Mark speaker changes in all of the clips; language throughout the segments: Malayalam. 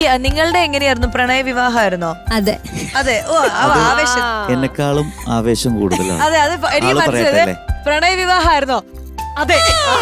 Speaker 1: നിങ്ങളുടെ എങ്ങനെയായിരുന്നു? പ്രണയ വിവാഹമായിരുന്നോ?
Speaker 2: അതെ
Speaker 1: അതെ. ഓ ആവേശം
Speaker 3: എന്നെക്കാളും ആവേശം കൂടുതലാണ്.
Speaker 1: അതെ അത് എനിക്ക് മനസ്സിലായത്. പ്രണയ വിവാഹമായിരുന്നോ? അതെ.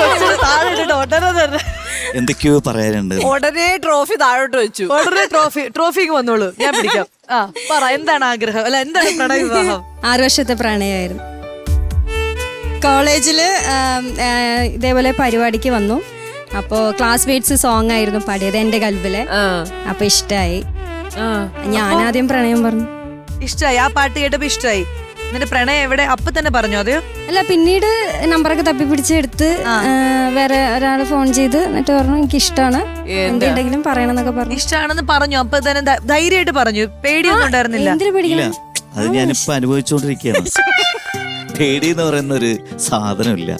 Speaker 3: എന്തൊക്കെയോ പറയാനുണ്ട്.
Speaker 4: ഉടനെ ട്രോഫി താഴോട്ട് വെച്ചു.
Speaker 1: ഉടനെ ട്രോഫിക്ക് വന്നോളൂ, ഞാൻ പിടിക്കാം. പറ, എന്താണ് ആഗ്രഹം? അല്ല, എന്താണ് പ്രണയ വിവാഹം?
Speaker 2: 6 വർഷത്തെ പ്രണയമായിരുന്നു. കോളേജില് ഇതേപോലെ പരിപാടിക്ക് വന്നു. അപ്പോൾ ക്ലാസ്മേറ്റ്സ് സോങ് ആയിരുന്നു പാടിയത്, എന്റെ കൽബിലെ. അപ്പൊ ഇഷ്ടായി. ഞാനാദ്യം പ്രണയം പറഞ്ഞു.
Speaker 1: ഇഷ്ടായി? ആ പാട്ട് കേട്ടപ്പോ ഇഷ്ടായി? എന്നിട്ട് പ്രണയം എവിടെ അപ്പൊ തന്നെ പറഞ്ഞു? അതെയോ?
Speaker 2: അല്ല, പിന്നീട് നമ്പറൊക്കെ തപ്പിപ്പിടിച്ചെടുത്ത് വേറെ ഒരാൾ ഫോൺ ചെയ്ത് എന്നിട്ട് പറഞ്ഞു എനിക്ക് ഇഷ്ടമാണ്, എന്തുണ്ടെങ്കിലും പറയണമെന്നൊക്കെ പറഞ്ഞു.
Speaker 1: ഇഷ്ടമാണെന്ന് പറഞ്ഞു. അപ്പൊ തന്നെ ധൈര്യമായിട്ട് പറഞ്ഞു? പേടിയൊന്നും ഉണ്ടായിരുന്നില്ല?
Speaker 2: എന്തിനു പേടിക്കണം?
Speaker 3: അത് ഞാനിപ്പോ അനുഭവിച്ചോണ്ടിരിക്കുകയാണ്. പേടി എന്ന് പറയുന്ന ഒരു സാധനമില്ല.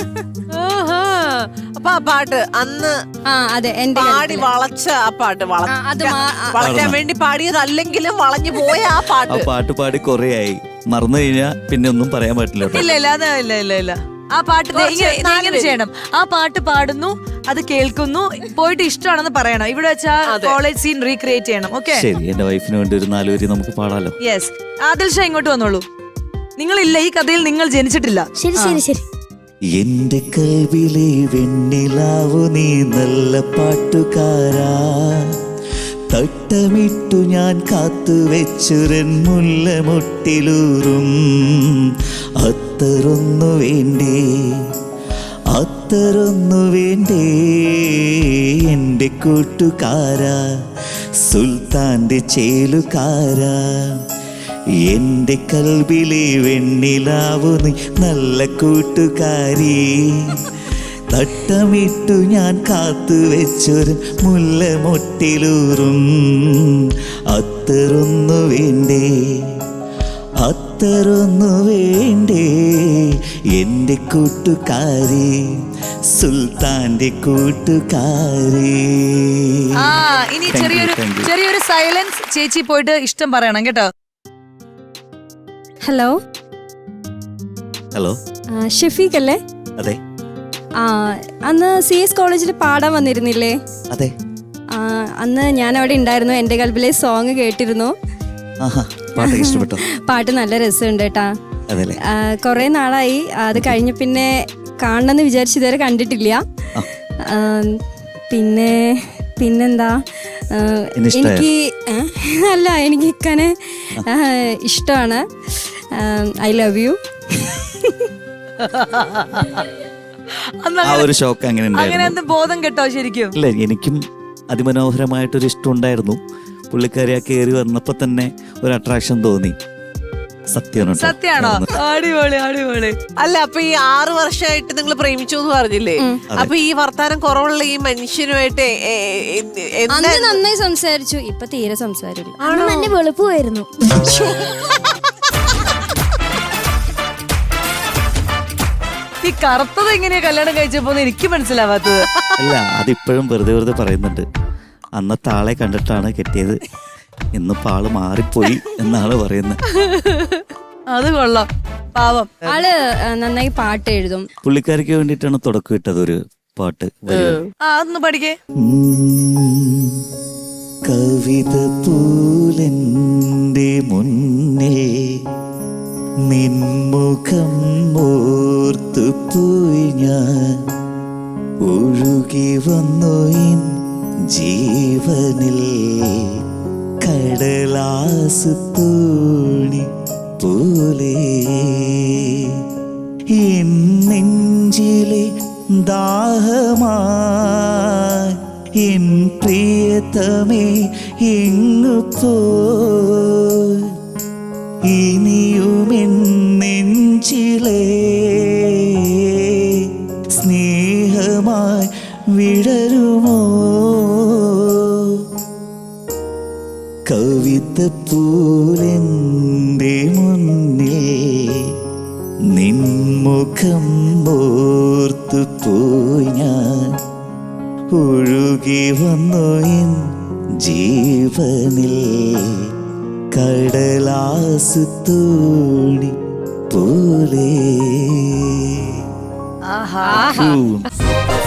Speaker 4: അപ്പൊ ആ പാട്ട് അന്ന്
Speaker 2: അതെ
Speaker 4: പാടി വളച്ച ആ പാട്ട് വളരാൻ വേണ്ടി പാടിയതല്ലെങ്കിലും വളഞ്ഞു പോയ ആ പാട്ട്.
Speaker 3: ആ പാട്ട് പാടി കൊറേ ആയി, മറന്നു കഴിഞ്ഞാ പിന്നെ ഒന്നും പറയാൻ പറ്റില്ല.
Speaker 1: ഇല്ല. ആ പാട്ട് ഇങ്ങനെ ചെയ്യണം. ആ പാട്ട് പാടുന്നു, അത് കേൾക്കുന്നു, പോയിട്ട് ഇഷ്ടമാണെന്ന് പറയണം. ഇവിടെ വെച്ചാ കോളേജ് സീൻ റീക്രിയേറ്റ് ചെയ്യണം. ഓക്കെ,
Speaker 3: ശരി. എന്റെ വൈഫിന് വേണ്ടി ഒരു 4 വരി നമുക്ക് പാടാലോ.
Speaker 1: യെസ്. ആദിൽ ഷാ ഇങ്ങോട്ട് വന്നോളൂ. നിങ്ങളില്ല ഈ കഥയിൽ, നിങ്ങൾ ജനിച്ചിട്ടില്ല.
Speaker 2: ശരി.
Speaker 3: എന്റെ കൽവിലെ വെണ്ണിലാവു നീ നല്ല പാട്ടുകാരാ, തട്ടമിട്ടു ഞാൻ കാത്തുവെച്ചുരൻ മുല്ലമൊട്ടിലൂറും. അത്തറൊന്നു വേണ്ടേ എന്റെ കൂട്ടുകാരാ, സുൽത്താന്റെ ചേലുകാരാ. എന്റെ കൽബിലെ വെണ്ണിലാവു നീ നല്ല കൂട്ടുകാരി, തട്ടമിട്ടു ഞാൻ കാത്തുവെച്ചൊരു മുല്ലമൊട്ടിലൂറും. അത്തറൊന്നു വേണ്ടേ എന്റെ കൂട്ടുകാരി, സുൽത്താന്റെ കൂട്ടുകാരി.
Speaker 1: ഇനി ചെറിയൊരു സൈലൻസ്. ചേച്ചി പോയിട്ട് ഇഷ്ടം പറയണം കേട്ടോ.
Speaker 2: ഹലോ ഷഫീഖ് അല്ലേ?
Speaker 3: അതെ.
Speaker 2: അന്ന് CS കോളേജിൽ പാടാൻ വന്നിരുന്നില്ലേ?
Speaker 3: അതെ.
Speaker 2: അന്ന് ഞാൻ അവിടെ ഉണ്ടായിരുന്നു. എന്റെ കൽബിലെ സോങ് കേട്ടിരുന്നു.
Speaker 3: ഇഷ്ടപ്പെട്ടോ?
Speaker 2: പാട്ട് നല്ല രസമുണ്ട് കേട്ടാ. കൊറേ നാളായി അത് കഴിഞ്ഞ പിന്നെ കാണണമെന്ന് വിചാരിച്ചു, ഇതുവരെ കണ്ടിട്ടില്ല. പിന്നെന്താ, എനിക്ക് ഇക്കനെ ഇഷ്ടമാണ്. I love you.
Speaker 3: ഒരു ഷോക്ക് അങ്ങനെ
Speaker 1: ബോധം കേട്ടോ? ശരിക്കും
Speaker 3: ഇല്ല, എനിക്കും അതിമനോഹരമായിട്ടൊരു ഇഷ്ടം ഉണ്ടായിരുന്നു. പുള്ളിക്കാരി ആ കയറി വന്നപ്പോ തന്നെ ഒരു അട്രാക്ഷൻ തോന്നി.
Speaker 1: സത്യമാണോ? അടിപൊളി.
Speaker 4: അല്ല, അപ്പൊ ഈ 6 വർഷമായിട്ട് നിങ്ങൾ പ്രേമിച്ചു എന്ന് പറഞ്ഞില്ലേ? അപ്പൊ ഈ വർത്താനം കുറവുള്ള ഈ മനുഷ്യനുമായിട്ട്
Speaker 2: നന്നായി സംസാരിച്ചു. ഇപ്പൊ തീരെ സംസാരില്ല.
Speaker 5: നല്ല വെളുപ്പമായിരുന്നു.
Speaker 1: ഈ കറുത്തത് എങ്ങനെയാ കല്യാണം കഴിച്ചപ്പോ എനിക്ക് മനസ്സിലാവാത്തത്.
Speaker 3: അല്ല, അതിപ്പോഴും വെറുതെ പറയുന്നുണ്ട്. അന്നത്തെ ആളെ കണ്ടിട്ടാണ് കെട്ടിയത്, ഇന്നിപ്പോ ആള് മാറിപ്പോയി എന്നാണ് പറയുന്നത്.
Speaker 1: അത് കൊള്ളാം, പാവം.
Speaker 2: ആള് നന്നായി പാട്ട് എഴുതും.
Speaker 3: പുള്ളിക്കാരിക്ക് വേണ്ടിയിട്ടാണ് തുടക്കം ഇട്ടത് ഒരു പാട്ട്.
Speaker 1: അതൊന്ന് പഠിക്കേ.
Speaker 3: കവിത പൂലെന്റെ മുന്നേ നിൻമുഖം ഓർത്തുപോയി ഞാൻ, ഒഴുകി വന്നു എൻ ജീവനിൽ കടലാസ് തോണി പോലെ. എൻ നെഞ്ചിലെ ദാഹമായി എൻ പ്രിയതമേ എങ്ങു പോയി, ഇനിയുമെൻ നെഞ്ചിലെ സ്നേഹമായി വിടരുമോ? കവിതപ്പൂലെന്റെ മുന്നിൽ നിൻമുഖം ഓർത്തുപോയി ഞാൻ, ഒഴുകി വന്നു എൻ ജീവനിൽ കടലാസ് തോണി പോലെ.